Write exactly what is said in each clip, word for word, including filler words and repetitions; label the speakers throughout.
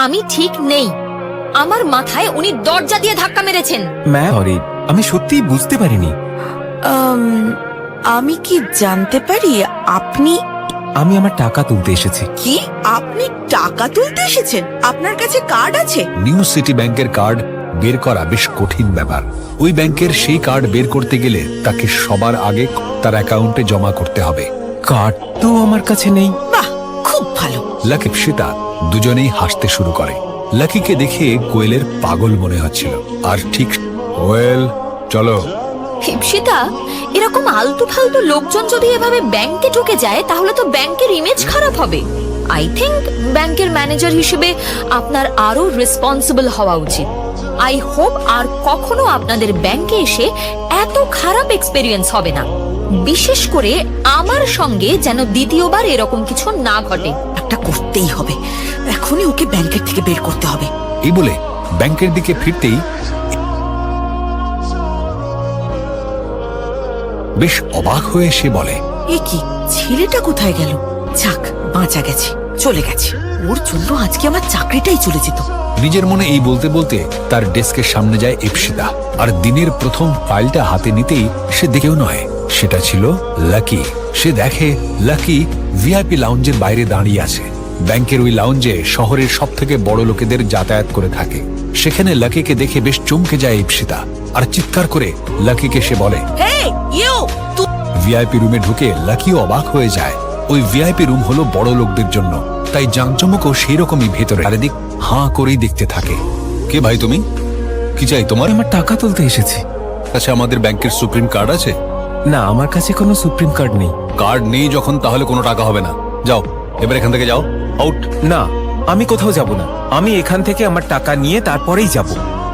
Speaker 1: আমি ঠিক নেই। আমার মাথায় উনি দরজা দিয়ে ধাক্কা মেরেছেন।
Speaker 2: ম্যাম সরি, আমি সত্যিই বুঝতে পারিনি।
Speaker 3: আমি কি জানতে পারি আপনি?
Speaker 2: আমি আমার টাকা তুলতে এসেছি।
Speaker 3: কি? আপনি টাকা তুলতে এসেছেন? আপনার কাছে কার্ড আছে?
Speaker 4: নিউ সিটি ব্যাংকের কার্ড বের করা বেশ কঠিন ব্যাপার। ওই ব্যাংকের সেই কার্ড বের করতে গেলে তাকে সবার আগে তার অ্যাকাউন্টে জমা করতে হবে।
Speaker 2: কার্ড তো আমার কাছে নেই।
Speaker 3: বাহ, খুব ভালো।
Speaker 4: লাকি ঈপ্সিতা দুজনেই হাসতে শুরু করে। লাকিকে দেখে কোয়েলের পাগল মনে হচ্ছিল। আর ঠিক কোয়েল, চলো।
Speaker 1: ঈপ্সিতা, এরকম আলতু ফালতু লোকজন যদি এভাবে ব্যাংকে ঢুকে যায় তাহলে তো ব্যাংকের ইমেজ খারাপ হবে। আই থিংক ব্যাংকের ম্যানেজার হিসেবে আপনার আরো রেসপন্সিবল হওয়া উচিত। আই হোপ আর কখনো আপনাদের ব্যাংকে এসে এত খারাপ এক্সপেরিয়েন্স হবে না। বিশেষ করে আমার সঙ্গে যেন দ্বিতীয়বার এরকম কিছু না ঘটে।
Speaker 3: একটা করতেই হবে, এখনই ওকে ব্যাংকের থেকে বের করতে হবে।
Speaker 4: এই বলে ব্যাংকের দিকে ফিরতেই বেশ অবাক হয়ে সে বলে,
Speaker 3: এ কি, ছেলেটা কোথায় গেল? যাক, বাঁচা গেছে, চলে গেছে। ওর জন্য আজকে আমার চাকরিটাই চলে যেত।
Speaker 4: নিজের মনে এই বলতে বলতে তার ডেস্কের সামনে যায় ঈপ্সিতা। আর দিনের প্রথম ফাইলটা হাতে নিতেই সে দেখেও নয়, সেটা ছিল লাকি। সে দেখে লাকি ভিআইপি লাউঞ্জের বাইরে দাঁড়িয়ে আছে। ব্যাংকের ওই লাউঞ্জে শহরের সব থেকে বড় লোকেদের যাতায়াত করে থাকে। সেখানে লাকিকে দেখে বেশ চমকে যায় ঈপ্সিতা, আর চিৎকার করে লাকিকে সে বলে,
Speaker 3: হেই ইউ!
Speaker 4: ভিআইপি রুমে ঢুকে লাকিও অবাক হয়ে যায়। ওই ভিআইপি রুম হলো বড় লোকদের জন্য, তাই জাঁকজমকও সেই রকমই ভেতরে। চারিদিক হাঁ করেই দেখতে থাকে। কে ভাই তুমি? কি চাই তোমার?
Speaker 2: আমার টাকা তুলতে এসেছি।
Speaker 4: আচ্ছা, আমাদের ব্যাংকের সুপ্রিম কার্ড আছে?
Speaker 2: না, আমার কাছে কোনো সুপ্রিম কার্ড নেই।
Speaker 4: কার্ড নেই যখন, তাহলে কোনো টাকা হবে না। যাও, এবার এখান থেকে যাও, আউট।
Speaker 2: না, আমি কোথাও যাব না। আমি এখান থেকে আমার টাকা নিয়ে তারপরেই যাব।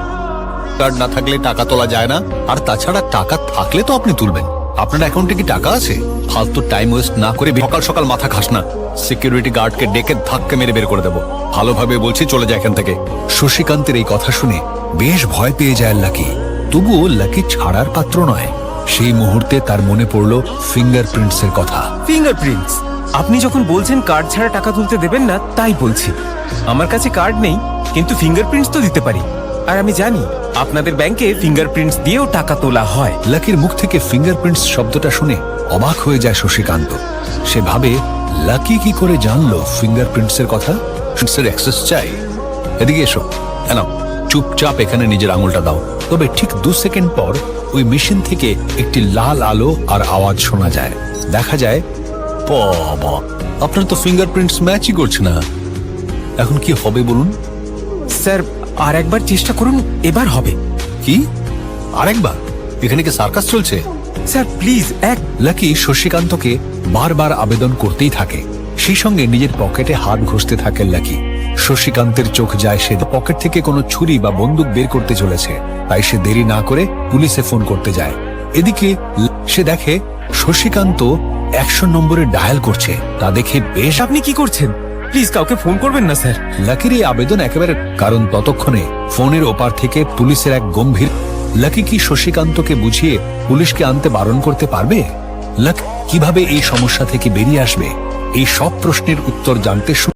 Speaker 4: কার্ড না থাকলে টাকা তোলা যায় না, আর তাছাড়া টাকা থাকলে তো আপনি তুলবেন। আপনার অ্যাকাউন্টে কি টাকা আছে? ফালতু টাইম ওয়েস্ট না করে সকাল সকাল মাথা খাস না। সিকিউরিটি গার্ডকে ডেকে ধাক্কা মেরে বের করে দেবো। ভালোভাবে বলছি, চলে যায় এখান থেকে। শশীকান্তের এই কথা শুনে বেশ ভয় পেয়ে যায় লাকি। তবুও লাকি ছাড়ার পাত্র নয়। সেই মুহূর্তে তার মনে পড়ল ফিঙ্গারপ্রিন্টস এর কথা।
Speaker 2: ফিঙ্গারপ্রিন্টস? আপনি যখন বলছেন কার্ড ছাড়া টাকা তুলতে দেবেন না, তাই বলছি। আমার কাছে কার্ড নেই, কিন্তু ফিঙ্গারপ্রিন্টস তো দিতে পারি। আর আমি জানি আপনাদের ব্যাংকে ফিঙ্গারপ্রিন্টস দিয়েও টাকা তোলা হয়।
Speaker 4: লাকির মুখ থেকে ফিঙ্গারপ্রিন্টস শব্দটা শুনে অবাক হয়ে যায় শশীকান্ত। সে ভাবে, লাকি কি করে জানলো ফিঙ্গারপ্রিন্টস এর কথা? এর অ্যাক্সেস চাই। এদিকে এসো, এনাও, চুপচাপ এখানে নিজের আঙুলটা দাও। তবে ঠিক দু সেকেন্ড পর ওই মেশিন থেকে একটি লাল আলো আর আওয়াজ শোনা যায়। দেখা যায়, বাবা, আপনার তো ফিঙ্গারপ্রিন্টস ম্যাচই করছে না। এখন কি হবে বলুন?
Speaker 2: স্যার, আর একবার চেষ্টা করুন, এবার হবে।
Speaker 4: কি আরেকবার? এখানে কি সার্কাস চলছে?
Speaker 2: স্যার প্লিজ, এক।
Speaker 4: লাকি শশীকান্তকে বারবার আবেদন করতেই থাকে। সেই সঙ্গে নিজের পকেটে হাত ঘষতে থাকে লাকি। শশীকান্তের চোখ যায় সে পকেট থেকে কোনো ছুরি বা বন্দুক বের করতে চলেছে। তাই সে দেরি না করে পুলিশে ফোন করতে যায়। এদিকে সে দেখে শশীকান্ত একশো নম্বরে ডায়াল করছে। তা দেখে বেশ,
Speaker 2: আপনি কি করছেন? প্লিজ কাউকে ফোন করবেন না স্যার।
Speaker 4: লাকির এই আবেদন একেবারে, কারণ ততক্ষণে ফোনের ওপার থেকে পুলিশের এক গম্ভীর। লাকি কি শশীকান্তকে বুঝিয়ে পুলিশকে আনতে বারণ করতে পারবে? লাকি কিভাবে এই সমস্যা থেকে বেরিয়ে আসবে? এই সব প্রশ্নের উত্তর জানতে